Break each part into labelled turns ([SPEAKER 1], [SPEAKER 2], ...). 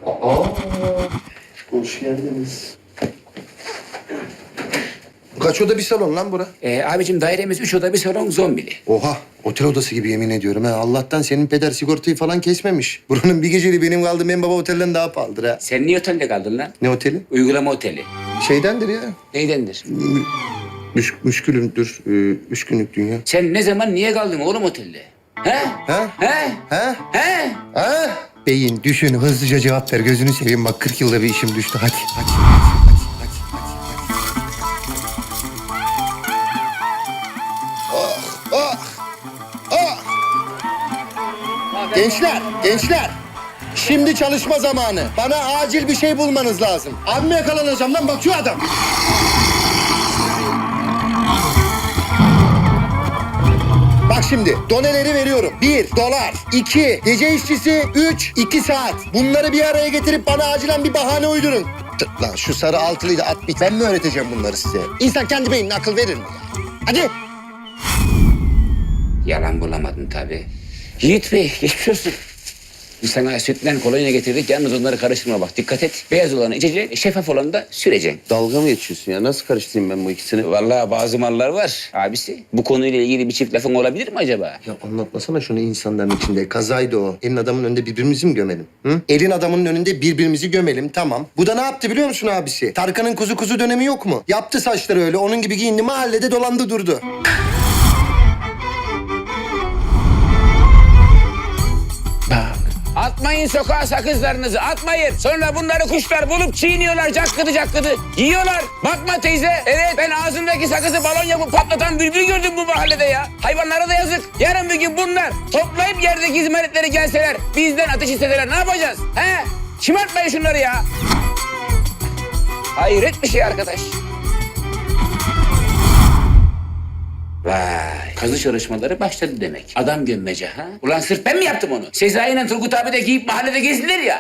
[SPEAKER 1] Hoş geldiniz. Kaç oda bir salon lan bura?
[SPEAKER 2] Abicim dairemiz 3 oda bir salon zombili.
[SPEAKER 1] Oha, otel odası gibi yemin ediyorum ha. Allah'tan senin peder sigortayı falan kesmemiş. Buranın bir geceliği benim kaldığım en baba otelden daha pahalıdır ha.
[SPEAKER 2] Sen niye otelde kaldın lan?
[SPEAKER 1] Ne oteli?
[SPEAKER 2] Uygulama oteli.
[SPEAKER 1] Şeydendir ya.
[SPEAKER 2] Neydendir?
[SPEAKER 1] Müşkülümdür. 3 günlük dünya.
[SPEAKER 2] Sen ne zaman niye kaldın oğlum otelde? He?
[SPEAKER 1] Ha?
[SPEAKER 2] He?
[SPEAKER 1] Ha?
[SPEAKER 2] He?
[SPEAKER 1] Ha? Beyin düşün, hızlıca cevap ver. Gözünü seveyim bak 40 yılda bir işim düştü. Hadi. Gençler. Şimdi çalışma zamanı. Bana acil bir şey bulmanız lazım. Abime yakalanacağım lan, bak şu adam. Bak şimdi, doneleri veriyorum. 1 dolar, 2 gece işçisi, 3 2 saat. Bunları bir araya getirip bana acilen bir bahane uydurun. Lan şu sarı altılıyı da at bit. Ben mi öğreteceğim bunları size? İnsan kendi beynine akıl verir mi ya? Hadi.
[SPEAKER 2] Yalan bulamadın tabii. Yiğit Bey geçmiş olsun. Biz sana sütten kolonya getirdik. Yalnız onları karıştırma bak. Dikkat et. Beyaz olanı içeceksin, şeffaf olanı da süreceksin.
[SPEAKER 1] Dalga mı geçiyorsun ya? Nasıl karıştırayım ben bu ikisini?
[SPEAKER 2] Vallahi bazı mallar var abisi. Bu konuyla ilgili bir çift lafın olabilir mi acaba?
[SPEAKER 1] Ya anlatmasana şunu insanların içinde. Kazaydı o. Elin adamın önünde birbirimizi mi gömelim? Hı? Elin adamının önünde birbirimizi gömelim, tamam. Bu da ne yaptı biliyor musun abisi? Tarkan'ın kuzu dönemi yok mu? Yaptı saçları öyle. Onun gibi giyindi, mahallede dolandı durdu.
[SPEAKER 2] Bak. Atmayın sokağa sakızlarınızı, atmayın. Sonra bunları kuşlar bulup çiğniyorlar, cakkıdı. Yiyorlar. Bakma teyze. Evet, ben ağzındaki sakızı balon yapıp patlatan bülbül gördüm bu mahallede ya. Hayvanlara da yazık. Yarın bir gün bunlar toplayıp yerdeki izmaritleri gelseler, bizden ateş isteseler ne yapacağız? He? Şımartmayın şunları ya. Hayret bir şey arkadaş. Vay, kazı çalışmaları başladı demek. Adam gömmece ha? Ulan sırf ben mi yaptım onu? Sezai ile Turgut abi de giyip mahallede gezdiler ya.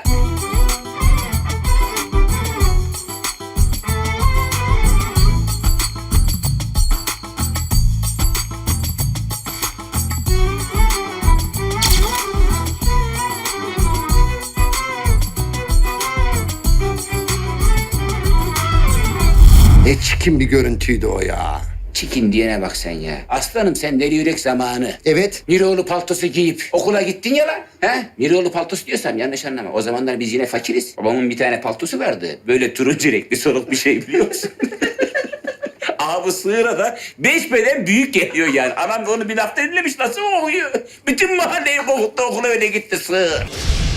[SPEAKER 1] Ne çirkin bir görüntüydü o ya.
[SPEAKER 2] Çikin diyene bak sen ya. Aslanım sen deli yürek zamanı.
[SPEAKER 1] Evet.
[SPEAKER 2] Miroğlu paltosu giyip okula gittin ya lan. He? Miroğlu paltosu diyorsam yanlış anlama. O zamanlar biz yine fakiriz. Babamın bir tane paltosu vardı. Böyle turuncu renkli soluk bir şey biliyor musun? Abi sığıra da 5 beden büyük geliyor yani. Anam da onu bir lafta dinlemiş. Nasıl okuyor? Bütün mahalleyi kokuttu, okula öyle gitti sığır.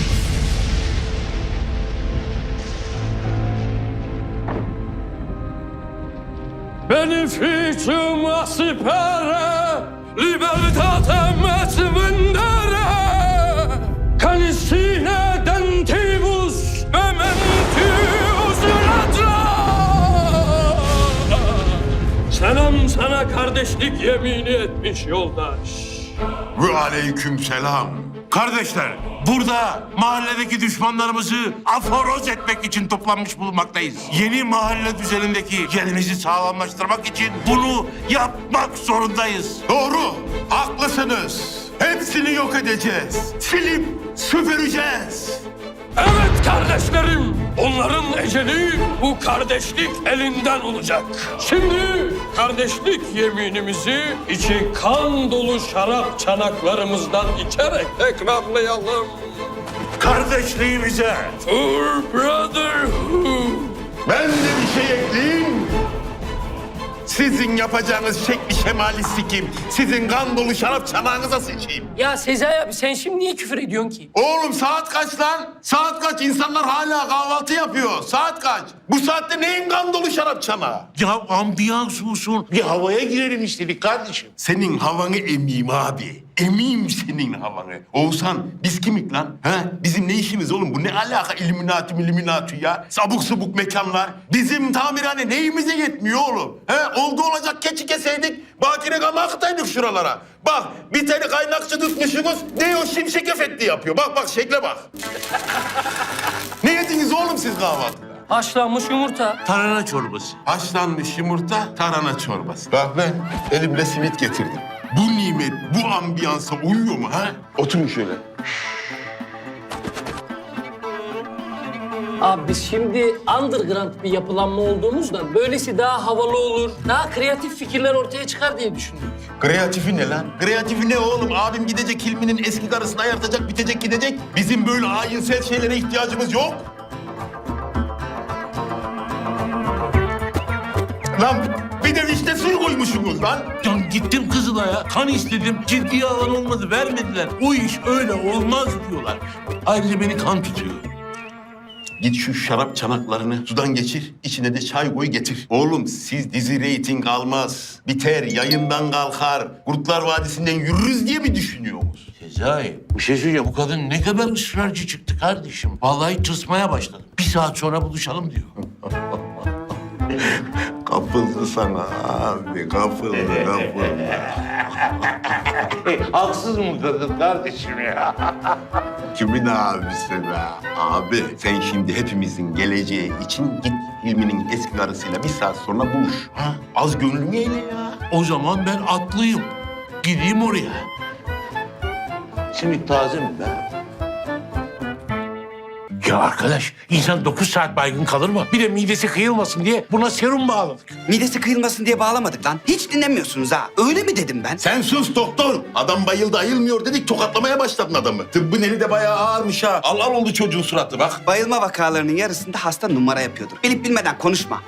[SPEAKER 3] Beneficium aspera, libertatem et vendere, canisine dentibus mementius latra. Selam sana kardeşlik yemini etmiş yoldaş.
[SPEAKER 4] Ve aleykümselam. Kardeşler, burada mahalledeki düşmanlarımızı aforoz etmek için toplanmış bulunmaktayız. Yeni mahalle düzenindeki yerimizi sağlamlaştırmak için bunu yapmak zorundayız. Doğru, haklısınız. Hepsini yok edeceğiz. Silip süpüreceğiz.
[SPEAKER 3] Evet kardeşlerim, onların eceli bu kardeşlik elinden olacak. Şimdi kardeşlik yeminimizi içi kan dolu şarap çanaklarımızdan içerek tekrarlayalım.
[SPEAKER 4] Kardeşliğimize
[SPEAKER 3] For brotherhood.
[SPEAKER 4] ben de bir şey ekleyeyim. Sizin yapacağınız şekli şemali sikim. Sizin kan dolu şarap çanağınıza sıçayım.
[SPEAKER 5] Ya Sezai abi sen şimdi niye küfür ediyorsun ki?
[SPEAKER 4] Oğlum saat kaç lan? Saat kaç? İnsanlar hala kahvaltı yapıyor. Saat kaç? Bu saatte neyin kan dolu şarap çanağı? Ya ambiyans olsun. Bir havaya girelim istedik kardeşim. Senin havanı emeyim abi. Emeyim senin havanı. Oğuzhan biz kimik lan? Ha? Bizim ne işimiz oğlum? Bu ne alaka illuminati ya? Sabuk subuk mekanlar. Bizim tamirhane neyimize yetmiyor oğlum? He? Oldu olacak keçi keseydik. Bakire kama akıtaydık şuralara. Bak bir tane kaynakçı tutmuşsunuz. Ne o şimşek efekti yapıyor. Bak şekle bak. Ne yediniz oğlum siz kahvaltıda?
[SPEAKER 5] Haşlanmış yumurta.
[SPEAKER 4] Tarhana çorbası. Haşlanmış yumurta, tarhana çorbası. Bak ben elimle simit getirdim. Bu nimet, bu ambiyansa uyuyor mu ha? Oturun şöyle.
[SPEAKER 5] Abi biz şimdi underground bir yapılanma olduğumuzdan böylesi daha havalı olur, daha kreatif fikirler ortaya çıkar diye düşündük.
[SPEAKER 4] Kreatifi ne lan? Kreatifi ne oğlum? Abim gidecek Hilmi'nin eski karısını ayartacak, bitecek gidecek. Bizim böyle ayinsel şeylere ihtiyacımız yok. Lan bir de vişne suyu koymuşsunuz lan.
[SPEAKER 6] Ya gittim Kızılay'a, kan istedim. Ciddiye alan olmadı, vermediler. O iş öyle olmaz diyorlar. Ayrıca beni kan tutuyor.
[SPEAKER 4] Git şu şarap çanaklarını sudan geçir, içine de çay koy getir. Oğlum siz dizi reyting almaz, biter, yayından kalkar, Kurtlar Vadisi'nden yürürüz diye mi düşünüyorsunuz?
[SPEAKER 6] Sezai, bir şey söyleyeceğim. Bu kadın ne kadar ısrarcı çıktı kardeşim. Vallahi tırsmaya başladım. 1 saat sonra buluşalım diyor.
[SPEAKER 4] Kapıldı sana abi, kapıldı.
[SPEAKER 6] Haksız mı kadın kardeşim ya?
[SPEAKER 4] Kimin abisi be? Abi sen şimdi hepimizin geleceği için git Hilmi'nin eski karısıyla 1 saat sonra buluş. Ha? Az gönlünü eyle ya.
[SPEAKER 6] O zaman ben atlıyım. Gideyim oraya. Simit taze mi be? Ya arkadaş, insan 9 saat baygın kalır mı? Bir de midesi kıyılmasın diye buna serum bağladık.
[SPEAKER 7] Midesi kıyılmasın diye bağlamadık lan. Hiç dinlemiyorsunuz ha. Öyle mi dedim ben?
[SPEAKER 4] Sen sus doktor. Adam bayıldı ayılmıyor dedik tokatlamaya başladın adamı. Tıbbın eli de bayağı ağırmış ha. Al al oldu çocuğun suratı bak.
[SPEAKER 7] Bayılma vakalarının yarısında hasta numara yapıyordur. Bilip bilmeden konuşma.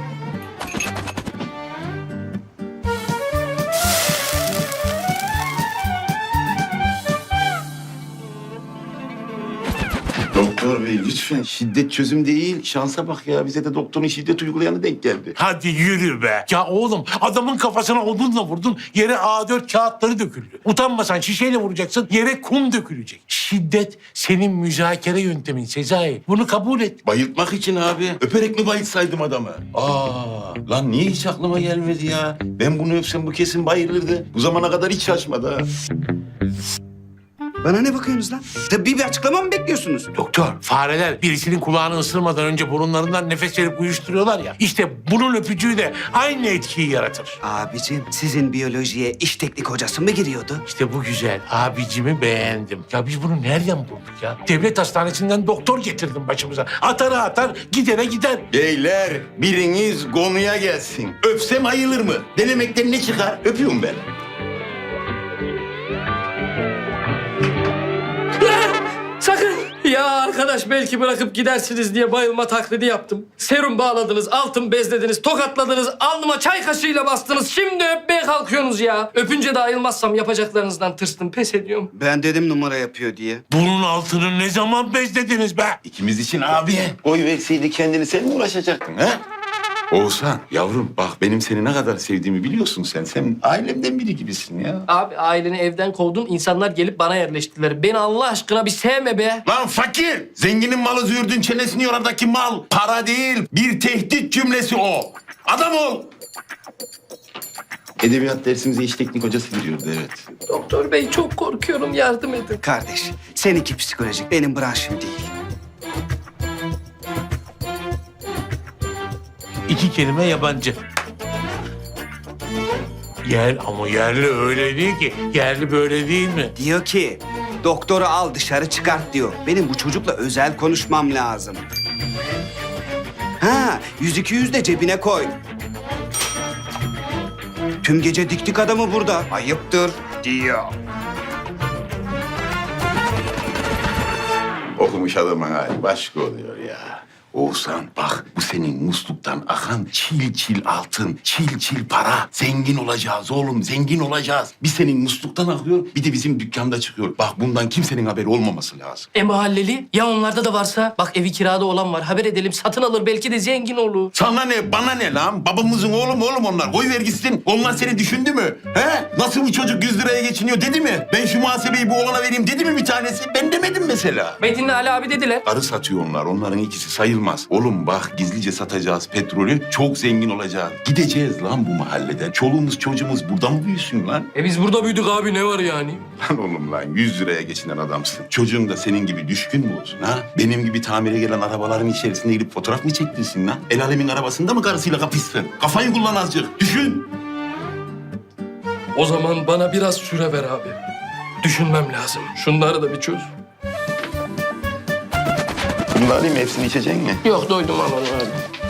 [SPEAKER 4] Doktor bey lütfen. Şiddet çözüm değil. Şansa bak ya. Bize de doktorun şiddet uygulayanı denk geldi.
[SPEAKER 6] Hadi yürü be. Ya oğlum adamın kafasına odunla vurdun, yere A4 kağıtları döküldü. Utanmasan şişeyle vuracaksın, yere kum dökülecek. Şiddet senin müzakere yöntemin Sezai. Bunu kabul et.
[SPEAKER 4] Bayıltmak için abi. Öperek mi bayıltsaydım adamı? Lan niye hiç aklıma gelmedi ya? Ben bunu öpsem bu kesin bayılırdı. Bu zamana kadar hiç şaşmadı ha.
[SPEAKER 7] Bana ne bakıyorsunuz lan? Tıbbi bir açıklama mı bekliyorsunuz?
[SPEAKER 6] Doktor, fareler birisinin kulağını ısırmadan önce burunlarından nefes verip uyuşturuyorlar ya. İşte bunun öpücüğü de aynı etkiyi yaratır.
[SPEAKER 7] Abicim sizin biyolojiye iş teknik hocası mı giriyordu?
[SPEAKER 6] İşte bu güzel. Abicimi beğendim. Ya biz bunu nereden bulduk ya? Devlet hastanesinden doktor getirdim başımıza. Atar atar, gidere gider.
[SPEAKER 4] Beyler biriniz konuya gelsin. Öpsem ayılır mı? Denemekten ne çıkar? Öpüyorum ben.
[SPEAKER 5] Sakın! Ya arkadaş belki bırakıp gidersiniz diye bayılma taklidi yaptım. Serum bağladınız, altın bezlediniz, tokatladınız, alnıma çay kaşığıyla bastınız. Şimdi öpmeye kalkıyorsunuz ya. Öpünce de ayılmazsam yapacaklarınızdan tırstım, pes ediyorum.
[SPEAKER 7] Ben dedim numara yapıyor diye.
[SPEAKER 6] Bunun altını ne zaman bezlediniz be?
[SPEAKER 4] İkimiz için abi. Koy verseydi kendini sen mi uğraşacaktın ha? Oğuzhan yavrum bak benim seni ne kadar sevdiğimi biliyorsun sen. Sen ailemden biri gibisin ya.
[SPEAKER 5] Abi aileni evden kovdun, insanlar gelip bana yerleştiler. Beni Allah aşkına bir sevme be.
[SPEAKER 4] Lan fakir! Zenginin malı züğürdün çenesini yoradaki mal. Para değil, bir tehdit cümlesi o. Adam ol! Edebiyat dersimize iş teknik hocası giriyordu evet.
[SPEAKER 5] Doktor bey çok korkuyorum, yardım edin.
[SPEAKER 7] Kardeş seninki psikolojik benim branşım değil.
[SPEAKER 6] 2 kelime yabancı. Ama yerli öyle değil ki. Yerli böyle değil mi?
[SPEAKER 7] Diyor ki doktoru al dışarı çıkart diyor. Benim bu çocukla özel konuşmam lazım. Ha 100-200 de cebine koy. Tüm gece diktik adamı burada. Ayıptır diyor.
[SPEAKER 4] Okumuş adamın hali başka oluyor ya. Oğuzhan bak bu senin musluktan akan çil çil altın, çil çil para. Zengin olacağız oğlum, zengin olacağız. Bir senin musluktan akıyor, bir de bizim dükkanda çıkıyor. Bak bundan kimsenin haberi olmaması lazım.
[SPEAKER 5] Mahalleli ya onlarda da varsa bak evi kirada olan var haber edelim satın alır belki de zengin olur.
[SPEAKER 4] Sana ne, bana ne lan? Babamızın oğlum onlar. Koy ver gitsin. Onlar seni düşündü mü? He? Nasıl bu çocuk 100 liraya geçiniyor dedi mi? Ben şu muhasebeyi bu oğlana vereyim dedi mi bir tanesi? Ben demedim mesela.
[SPEAKER 5] Metin'le Ali abi dediler.
[SPEAKER 4] Arı satıyor onlar. Onların ikisi sayılmaz. Oğlum bak gizlice satacağız petrolü. Çok zengin olacağız. Gideceğiz lan bu mahalleden. Çoluğumuz çocuğumuz burada mı büyüsün lan?
[SPEAKER 5] Biz burada büyüdük abi ne var yani?
[SPEAKER 4] Lan oğlum lan 100 liraya geçinen adamsın. Çocuğun da senin gibi düşkün mü olsun ha? Benim gibi tamire gelen arabaların içerisinde girip fotoğraf mı çektirsin lan? El alemin arabasında mı karısıyla kapışsın? Kafayı kullan azıcık. Düşün.
[SPEAKER 5] O zaman bana biraz süre ver abi. Düşünmem lazım. Şunları da bir çöz.
[SPEAKER 8] Bunu da alayım mı? Hepsini içecek mi?
[SPEAKER 5] Yok doydum aman abi.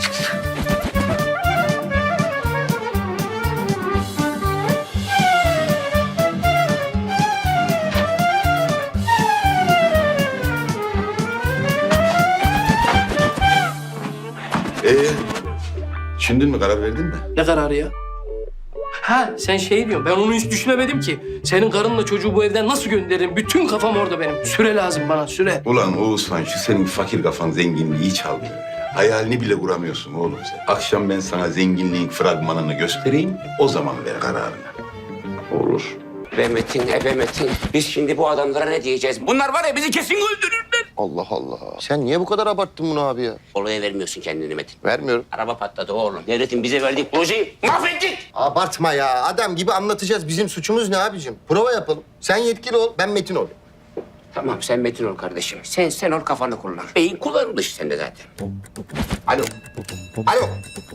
[SPEAKER 8] Düşündün mü? Karar verdin mi?
[SPEAKER 5] Ne kararı ya? Ha sen şey diyorsun, ben onu hiç düşünemedim ki. Senin karınla çocuğu bu evden nasıl gönderirim? Bütün kafam orada benim. Süre lazım bana, süre.
[SPEAKER 8] Ulan Oğuzhan şu senin fakir kafan zenginliği çalmıyor ya. Hayalini bile kuramıyorsun oğlum sen. Akşam ben sana zenginliğin fragmanını göstereyim. O zaman ver kararını. Olur.
[SPEAKER 2] Be Metin, ebe Metin. Biz şimdi bu adamlara ne diyeceğiz? Bunlar var ya bizi kesin öldürürler.
[SPEAKER 1] Allah Allah. Sen niye bu kadar abarttın bunu abi ya?
[SPEAKER 2] Olaya vermiyorsun kendini Metin.
[SPEAKER 1] Vermiyorum.
[SPEAKER 2] Araba patladı oğlum. Devletin bize verdiği projeyi mahvettik.
[SPEAKER 1] Abartma ya. Adam gibi anlatacağız. Bizim suçumuz ne abicim? Prova yapalım. Sen yetkili ol, ben Metin ol.
[SPEAKER 2] Tamam sen Metin ol kardeşim. Sen ol kafanı kullan. Beyin kullanılır sende zaten.
[SPEAKER 1] Alo. Alo.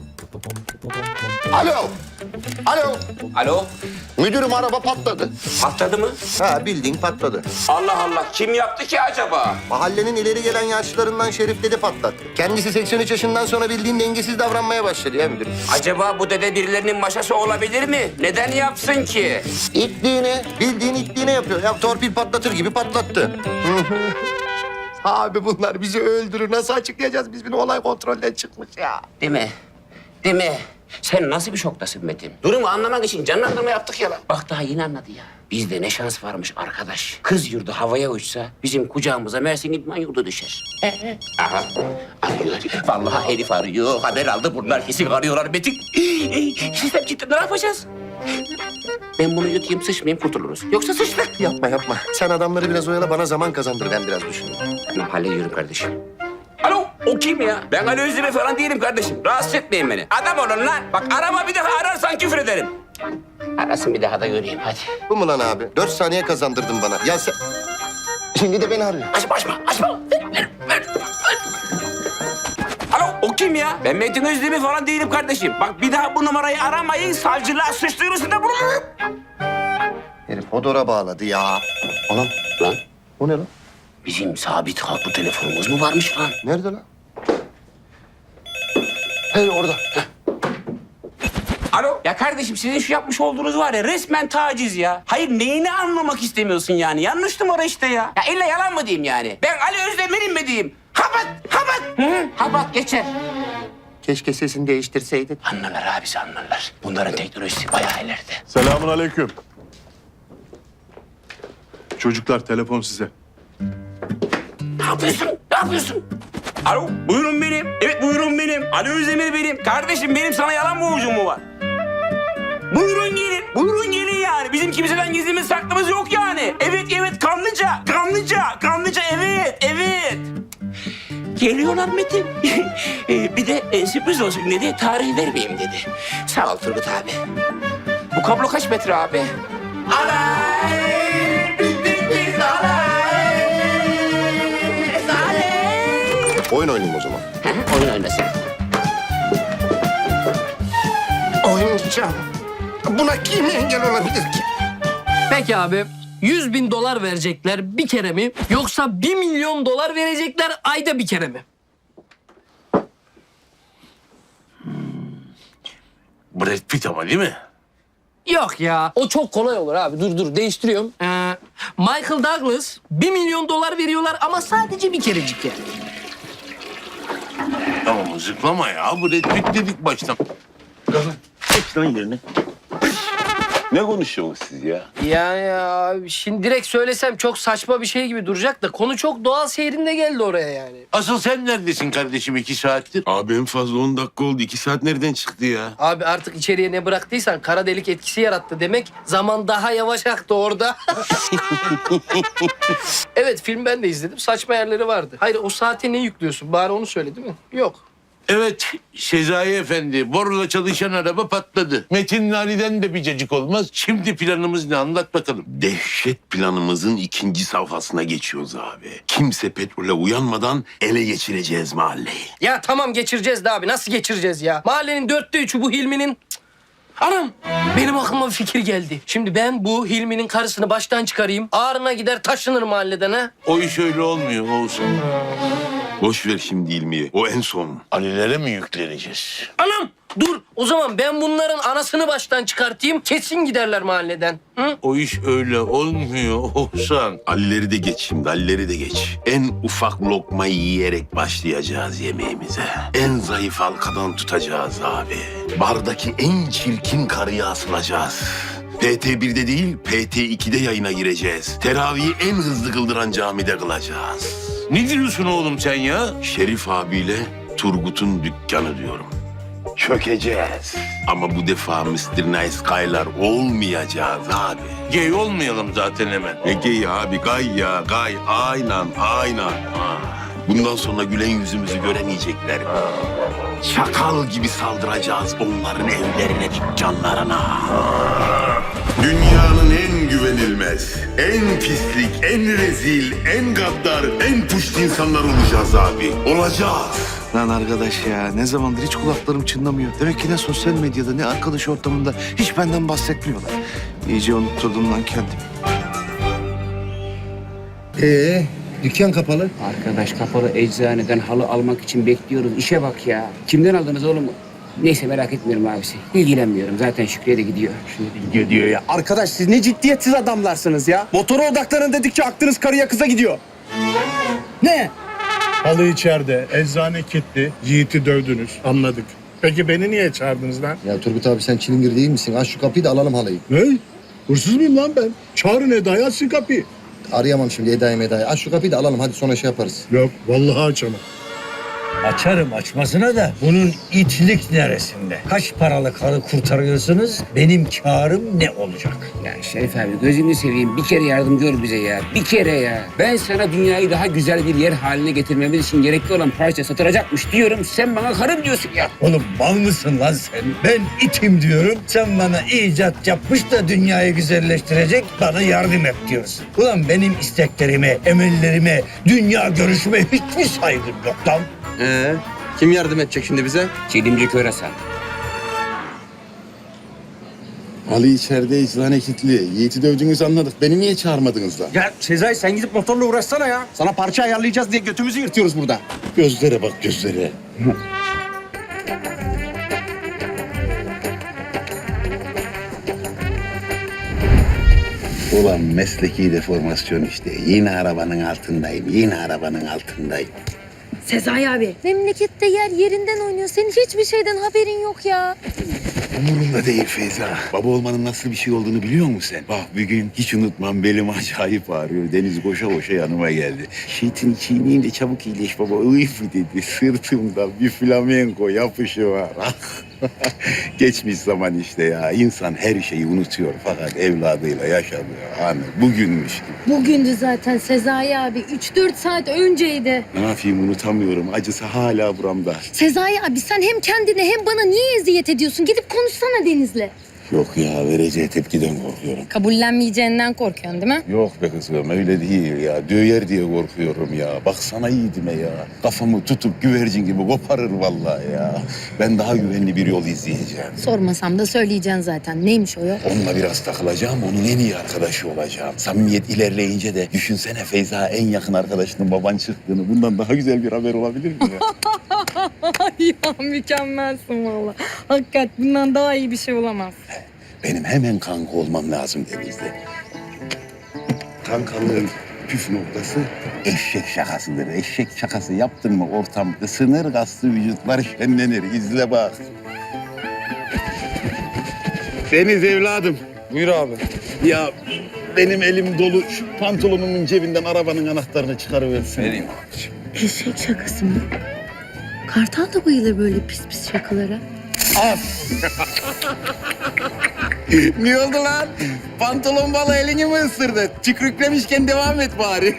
[SPEAKER 1] Alo. Alo.
[SPEAKER 2] Alo.
[SPEAKER 1] Müdürüm araba patladı.
[SPEAKER 2] Patladı mı?
[SPEAKER 1] Ha bildiğin patladı.
[SPEAKER 2] Allah Allah. Kim yaptı ki acaba?
[SPEAKER 1] Mahallenin ileri gelen yaşlılarından Şerif dede patlattı. Kendisi 83 yaşından sonra bildiğin dengesiz davranmaya başladı ya müdürüm.
[SPEAKER 2] Acaba bu dede birilerinin maşası olabilir mi? Neden yapsın ki?
[SPEAKER 1] İtliğine, bildiğin itliğine yapıyor. Ya torpil patlatır gibi patlattı. Abi bunlar bizi öldürür. Nasıl açıklayacağız biz bunu? Olay kontrolden çıkmış ya.
[SPEAKER 2] Değil mi? Değil mi? Sen nasıl bir şoktasın Metin? Durumu anlamak için canlandırma yaptık ya lan. Bak daha yeni anladı ya. Bizde ne şans varmış arkadaş. Kız yurdu havaya uçsa bizim kucağımıza Mersin İdman yurdu düşer. Aha. Arıyorlar. Vallahi herif arıyor. Haber aldı bunlar kesin arıyorlar Metin. Sistem cidden ne yapacağız? Ben bunu yutayım sıçmayayım kurtuluruz. Yoksa sıçtık.
[SPEAKER 1] Yapma yapma. Sen adamları biraz oyala, bana zaman kazandır. Ben biraz düşüneyim.
[SPEAKER 2] Tamam hallediyorum kardeşim. Alo, o kim ya? Ben Ali Özdemir falan değilim kardeşim. Rahatsız etmeyin beni. Adam olun lan. Bak arama bir daha ararsan küfür ederim. Arasın bir daha da göreyim hadi.
[SPEAKER 1] Bu mu lan abi? 4 saniye kazandırdın bana. Ya sen... Şimdi de beni arıyor.
[SPEAKER 2] Açma. Ver. Alo, o kim ya? Ben Metin Özdemir falan değilim kardeşim. Bak bir daha bu numarayı aramayın. Savcılığa suç duyurusunda bulunurum.
[SPEAKER 1] Herif Hodor'a bağladı ya. Anam.
[SPEAKER 2] Lan
[SPEAKER 1] O ne lan?
[SPEAKER 2] bizim sabit hatlı telefonumuz mu varmış lan?
[SPEAKER 1] Nerede lan? Hey orada.
[SPEAKER 2] Alo. Ya kardeşim sizin şu yapmış olduğunuz var ya resmen taciz ya. Hayır neyini anlamak istemiyorsun yani? Yanlış numara işte ya. Ya illa yalan mı diyeyim yani? Ben Ali Özdemir'im mi diyeyim? Habat. Hı, habat geçer.
[SPEAKER 1] Keşke sesini değiştirseydin.
[SPEAKER 2] Anlarlar abisi anlarlar. Bunların teknolojisi bayağı ileride.
[SPEAKER 9] Selamun aleyküm. Çocuklar telefon size.
[SPEAKER 2] Ne yapıyorsun? Alo, buyurun benim. Evet, buyurun benim. Ali Özdemir benim. Kardeşim benim sana yalan borcum mu var? Buyurun gelin yani. Bizim kimseden gizlimiz saklımız yok yani. Evet, kanlıca, evet. Geliyorlar Metin. Bir de sürpriz olsun dedi, tarih vermeyeyim dedi. Sağ ol Turgut abi. Bu kablo kaç metre abi? Alay! Biz alay!
[SPEAKER 1] Oyun oynayayım o zaman.
[SPEAKER 2] Oyun oynasın.
[SPEAKER 1] Oynayacağım. Buna kim engel olabilir ki?
[SPEAKER 5] Peki abi, 100.000 dolar verecekler bir kere mi? Yoksa 1 milyon dolar verecekler ayda bir kere mi?
[SPEAKER 6] Brad Pitt ama değil mi?
[SPEAKER 5] Yok ya. O çok kolay olur abi. Dur değiştiriyorum. Michael Douglas 1 milyon dolar veriyorlar ama sadece bir kerecik yani.
[SPEAKER 6] Tamam zıplama ya. Brad Pitt dedik baştan.
[SPEAKER 8] Geç lan yerine. Ne konuşuyorsunuz siz ya?
[SPEAKER 5] Ya şimdi direkt söylesem çok saçma bir şey gibi duracak da konu çok doğal seyrinde geldi oraya yani.
[SPEAKER 6] Asıl sen neredesin kardeşim 2 saattir?
[SPEAKER 8] Abi en fazla 10 dakika oldu. 2 saat nereden çıktı ya?
[SPEAKER 5] Abi artık içeriye ne bıraktıysan kara delik etkisi yarattı demek. Zaman daha yavaş aktı orada. Evet film ben de izledim. Saçma yerleri vardı. Hayır o saate ne yüklüyorsun? Bari onu söyle değil mi? Yok.
[SPEAKER 6] Evet Sezai Efendi. Borla çalışan araba patladı. Metin Ali'den de bir cacık olmaz. Şimdi planımız ne anlat bakalım.
[SPEAKER 8] Dehşet planımızın 2. safhasına geçiyoruz abi. Kimse petrole uyanmadan ele geçireceğiz mahalleyi.
[SPEAKER 5] Ya tamam geçireceğiz de abi. Nasıl geçireceğiz ya? Mahallenin 3'ü bu Hilmi'nin... Cık. Anam benim aklıma bir fikir geldi. Şimdi ben bu Hilmi'nin karısını baştan çıkarayım. Ağrına gider taşınır mahalleden ha.
[SPEAKER 6] O iş öyle olmuyor Oğuzhan.
[SPEAKER 8] Boş ver şimdi ilmiyi. O en son.
[SPEAKER 6] Alilere mi yükleneceğiz?
[SPEAKER 5] Anam dur o zaman ben bunların anasını baştan çıkartayım. Kesin giderler mahalleden. Hı?
[SPEAKER 6] O iş öyle olmuyor Oğuzhan.
[SPEAKER 8] Alileri de geç şimdi, Alileri de geç. En ufak lokmayı yiyerek başlayacağız yemeğimize. En zayıf halkadan tutacağız abi. Bardaki en çirkin karıya asılacağız. PT1'de değil, PT2'de yayına gireceğiz. Teravihi en hızlı kıldıran camide kılacağız.
[SPEAKER 6] Ne diyorsun oğlum sen ya?
[SPEAKER 8] Şerif abiyle Turgut'un dükkanı diyorum. Çökeceğiz. Ama bu defa Mr. Nice Guy'lar olmayacağız abi.
[SPEAKER 6] Gay olmayalım zaten hemen.
[SPEAKER 8] Ne gay abi, gay ya, gay. Aynen. Bundan sonra gülen yüzümüzü göremeyecekler. Çakal gibi saldıracağız onların evlerine, dükkanlarına. Dünyanın en güvenilmez, en pislik, en rezil, en gaddar, en puşt insanlar olacağız abi. Olacağız.
[SPEAKER 10] Lan arkadaş ya ne zamandır hiç kulaklarım çınlamıyor. Demek ki ne sosyal medyada ne arkadaş ortamında hiç benden bahsetmiyorlar. İyice unutturdum lan kendimi.
[SPEAKER 1] Dükkan kapalı.
[SPEAKER 2] Arkadaş kapalı eczaneden halı almak için bekliyoruz. İşe bak ya. Kimden aldınız oğlum? Neyse merak etmiyorum abisi. İlgilenmiyorum. Zaten Şükrü'ye de gidiyor.
[SPEAKER 6] Gidiyor ya.
[SPEAKER 11] Arkadaş siz ne ciddiyetsiz adamlarsınız ya. Motora odaklanın dedikçe aklınız karıya kıza gidiyor. Ne?
[SPEAKER 9] Halı içeride, eczane kilitli. Yiğit'i dövdünüz, anladık. Peki beni niye çağırdınız lan?
[SPEAKER 1] Ya Turgut abi sen çilingir değil misin? Aç şu kapıyı da alalım halıyı.
[SPEAKER 9] Ne? Hırsız mıyım lan ben? Çağırın Eda'yı, açsın kapıyı.
[SPEAKER 1] Arayamam şimdi Eda'yı. Aç şu kapıyı da alalım hadi sonra şey yaparız.
[SPEAKER 9] Yok, vallahi açamam.
[SPEAKER 12] Açarım açmasına da bunun itlik neresinde? Kaç paralık halı kurtarıyorsunuz? Benim kârım ne olacak?
[SPEAKER 2] Ya Şerif abi gözünü seveyim. Bir kere yardım gör bize ya. Bir kere ya. Ben sana dünyayı daha güzel bir yer haline getirmemiz için gerekli olan parça satılacakmış diyorum. Sen bana karım diyorsun ya.
[SPEAKER 12] Oğlum mal mısın lan sen? Ben itim diyorum. Sen bana icat yapmış da dünyayı güzelleştirecek bana yardım et diyorsun. Ulan benim isteklerime, emellerime, dünya görüşüme hiç mi saygın yok lan?
[SPEAKER 11] Kim yardım edecek şimdi bize?
[SPEAKER 2] Çelimci Körasan.
[SPEAKER 8] Halı içeride, eczane kilitli. Yiğit'i dövdünüz anladık. Beni niye çağırmadınız lan?
[SPEAKER 11] Ya Sezai sen gidip motorla uğraşsana ya. Sana parça ayarlayacağız diye götümüzü yırtıyoruz burada.
[SPEAKER 8] Gözlere bak gözlere. Ulan mesleki deformasyon işte. Yine arabanın altındayım.
[SPEAKER 13] Sezai abi. Memlekette yer yerinden oynuyor. Senin hiçbir şeyden haberin yok ya.
[SPEAKER 8] Umurumda değil Feyza. Baba olmanın nasıl bir şey olduğunu biliyor musun sen? Bak bir gün hiç unutmam belim acayip ağrıyor. Deniz koşa yanıma geldi. Şeytin çiğneyim de çabuk iyileş baba. Uyfu dedi. Sırtımda bir flamenko yapışı var. Geçmiş zaman işte ya. İnsan her şeyi unutuyor fakat evladıyla yaşadığı anı bugünmüş gibi.
[SPEAKER 13] Bugündü zaten Sezai abi. 3-4 saat önceydi.
[SPEAKER 8] Ne yapayım unutamıyorum. Acısı hala buramda.
[SPEAKER 13] Sezai abi sen hem kendine hem bana niye eziyet ediyorsun? Gidip konuşsana Deniz'le.
[SPEAKER 8] Yok ya vereceği tepkiden korkuyorum.
[SPEAKER 13] Kabullenmeyeceğinden korkuyorsun değil mi?
[SPEAKER 8] Yok be kızım öyle değil ya. Döyer diye korkuyorum ya. Baksana yiğidime ya. Kafamı tutup güvercin gibi koparır vallahi ya. Ben daha güvenli bir yol izleyeceğim.
[SPEAKER 13] Sormasam da söyleyeceksin zaten. Neymiş o yol?
[SPEAKER 8] Onunla biraz takılacağım, onun en iyi arkadaşı olacağım. Samimiyet ilerleyince de düşünsene Feyza en yakın arkadaşının baban çıktığını. Bundan daha güzel bir haber olabilir mi ya?
[SPEAKER 13] Ya mükemmelsin valla. Hakikat bundan daha iyi bir şey olamaz.
[SPEAKER 8] Benim hemen kanka olmam lazım Deniz'de. Kankalığın püf noktası eşek şakasıdır. Eşek şakası yaptın mı ortam ısınır, kaslı vücutlar şenlenir. İzle bak. Deniz evladım.
[SPEAKER 11] Buyur abi.
[SPEAKER 8] Ya benim elim dolu. Şu pantolonumun cebinden arabanın anahtarını çıkarıversin.
[SPEAKER 11] Vereyim.
[SPEAKER 13] Eşek şakası mı? Kartal da bayılır böyle pis pis şakalara.
[SPEAKER 8] Ne oldu lan? Pantolon balı elini mi ısırdı? Tükrüklemişken devam et bari.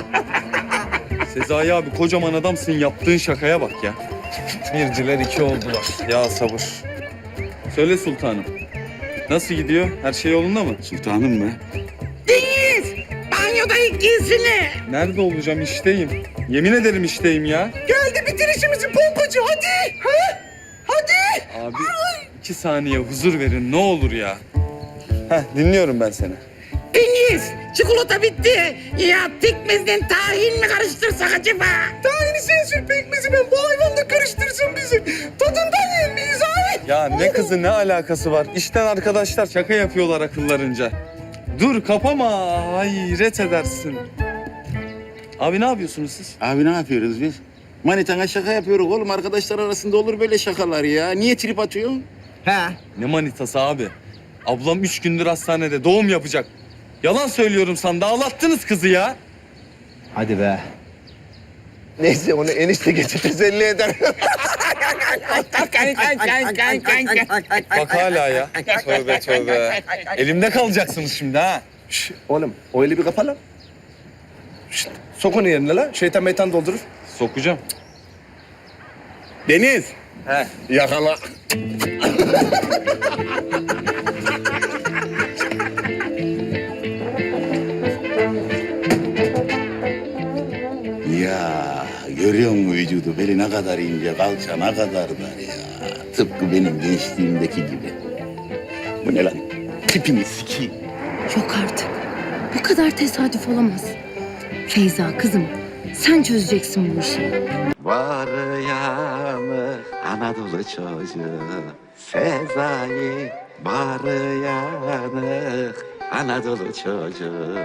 [SPEAKER 11] Sezai abi kocaman adamsın yaptığın şakaya bak ya. Birciler iki oldular. Ya sabır. Söyle sultanım. Nasıl gidiyor? Her şey yolunda mı?
[SPEAKER 8] Sultanım mı?
[SPEAKER 5] Banyodayım giysine.
[SPEAKER 11] Nerede olacağım? İşteyim. Yemin ederim işteyim ya.
[SPEAKER 5] Geldi bitir işimizi pompacı hadi. Ha? Hadi.
[SPEAKER 11] Abi 2 saniye huzur verin ne olur ya. Heh dinliyorum ben seni.
[SPEAKER 2] Deniz, çikolata bitti. Ya pekmezden tahin mi karıştırsak acaba? Tahini sensin, pekmezi ben bu hayvanla karıştırsın bizi. Tadından yemeyiz abi.
[SPEAKER 11] Ya ne kızı ne alakası var? İşten arkadaşlar şaka yapıyorlar akıllarınca. Dur kapama hayret edersin. Abi ne yapıyorsunuz siz?
[SPEAKER 8] Abi ne yapıyoruz biz? Manitana şaka yapıyoruz oğlum. Arkadaşlar arasında olur böyle şakalar ya. Niye trip atıyorsun?
[SPEAKER 11] Ne manitası abi? Ablam 3 gündür hastanede doğum yapacak. Yalan söylüyorum sana ağlattınız kızı ya.
[SPEAKER 12] Hadi be.
[SPEAKER 1] Neyse onu enişte geçip teselli eder.
[SPEAKER 11] Bak hala ya. Tövbe tövbe. Elimde kalacaksınız şimdi ha.
[SPEAKER 12] Oğlum o eli bir kapa lan. Sok onu yerine lan. Şeytan meytan doldurur.
[SPEAKER 11] Sokacağım.
[SPEAKER 1] Deniz.
[SPEAKER 11] He.
[SPEAKER 1] Yakala.
[SPEAKER 8] Ya görüyor musun vücudu? Beli ne kadar ince, kalça ne kadar dar ya. Tıpkı benim gençliğimdeki gibi. Bu ne lan? Tipini sikeyim.
[SPEAKER 13] Yok artık. Bu kadar tesadüf olamaz. Feyza kızım sen çözeceksin bu işi.
[SPEAKER 8] Var yanı Anadolu çocuğu Sezai. Var yanı Anadolu çocuğu.